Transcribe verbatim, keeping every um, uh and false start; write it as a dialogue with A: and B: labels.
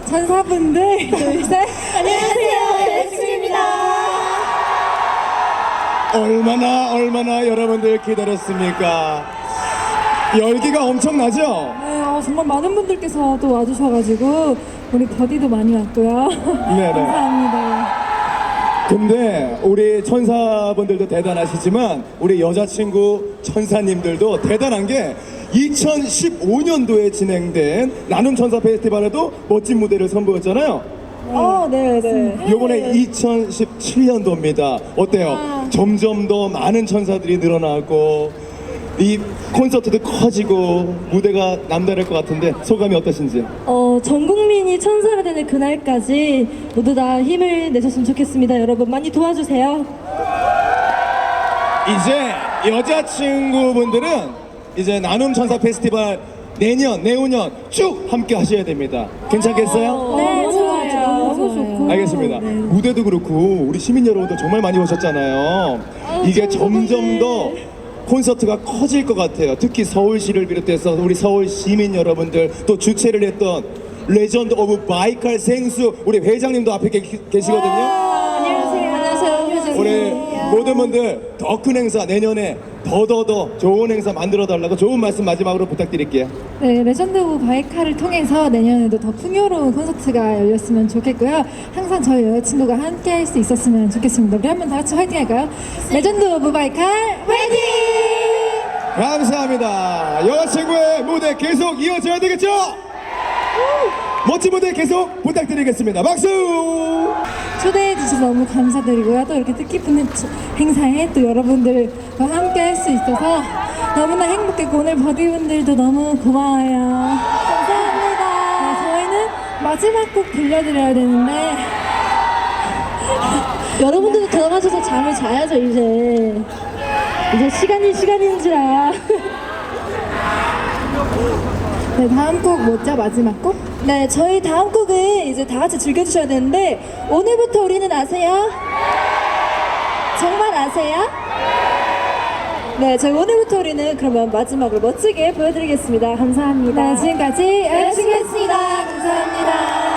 A: 천사분들 둘셋 안녕하세요 여자친구입니다.
B: 얼마나 얼마나 여러분들 기다렸습니까? 열기가 엄청나죠?
A: 네, 어, 정말 많은 분들께서 또 와주셔가지고 우리 버디도 많이 왔고요.
B: 네네.
A: 감사합니다.
B: 근데 우리 천사분들도 대단하시지만 우리 여자친구 천사님들도 대단한 게 이천십오 년도에 진행된 나눔 천사 페스티벌에도 멋진 무대를 선보였잖아요.
A: 어, 네, 네.
B: 요번에 이천십칠 년도입니다. 어때요? 점점 더 많은 천사들이 늘어나고 이 콘서트도 커지고 무대가 남다를 것 같은데 소감이 어떠신지?
C: 어, 전 국민이 천사가 되는 그날까지 모두 다 힘을 내셨으면 좋겠습니다. 여러분 많이 도와주세요.
B: 이제 여자친구분들은 이제 나눔 천사 페스티벌 내년, 내후년 쭉 함께 하셔야 됩니다. 괜찮겠어요?
C: 네,
A: 너무
C: 좋아요.
A: 좋아요. 너무 좋고.
B: 알겠습니다. 무대도 그렇고 우리 시민 여러분도 정말 많이 오셨잖아요. 이게 점점 더 콘서트가 커질 것 같아요. 특히 서울시를 비롯해서 우리 서울 시민 여러분들 또 주최를 했던 레전드 오브 바이칼 생수 우리 회장님도 앞에 계, 계시거든요.
C: 안녕하세요. 안녕하세요.
B: 우리 모든 분들 더 큰 행사 내년에 더더더 좋은 행사 만들어 달라고 좋은 말씀 마지막으로 부탁드릴게요.
A: 네, 레전드 오브 바이카를 통해서 내년에도 더 풍요로운 콘서트가 열렸으면 좋겠고요. 항상 저희 여자친구가 함께 할 수 있었으면 좋겠습니다. 우리 한번 다 같이 화이팅 할까요? 레전드 오브 바이칼 화이팅!
B: 감사합니다. 여자친구의 무대 계속 이어져야 되겠죠? 멋진 무대 계속 부탁드리겠습니다. 박수!
A: 초대해 주셔서 너무 감사드리고요. 또 이렇게 뜻깊은 행사에 또 여러분들과 함께 할 수 있어서 너무나 행복했고 오늘 버디분들도 너무 고마워요. 감사합니다. 네, 저희는 마지막 곡 들려드려야 되는데
C: 여러분들도 들어가셔서 잠을 자야죠 이제. 이제 시간이 시간인지라.
A: 네, 다음 곡 뭐죠? 마지막 곡?
C: 네, 저희 다음 곡은 이제 다 같이 즐겨주셔야 되는데 오늘부터 우리는 아세요? 정말 아세요? 네, 저희 오늘부터 우리는 그러면 마지막으로 멋지게 보여드리겠습니다. 감사합니다.
A: 네, 지금까지 여자친구였습니다. 감사합니다.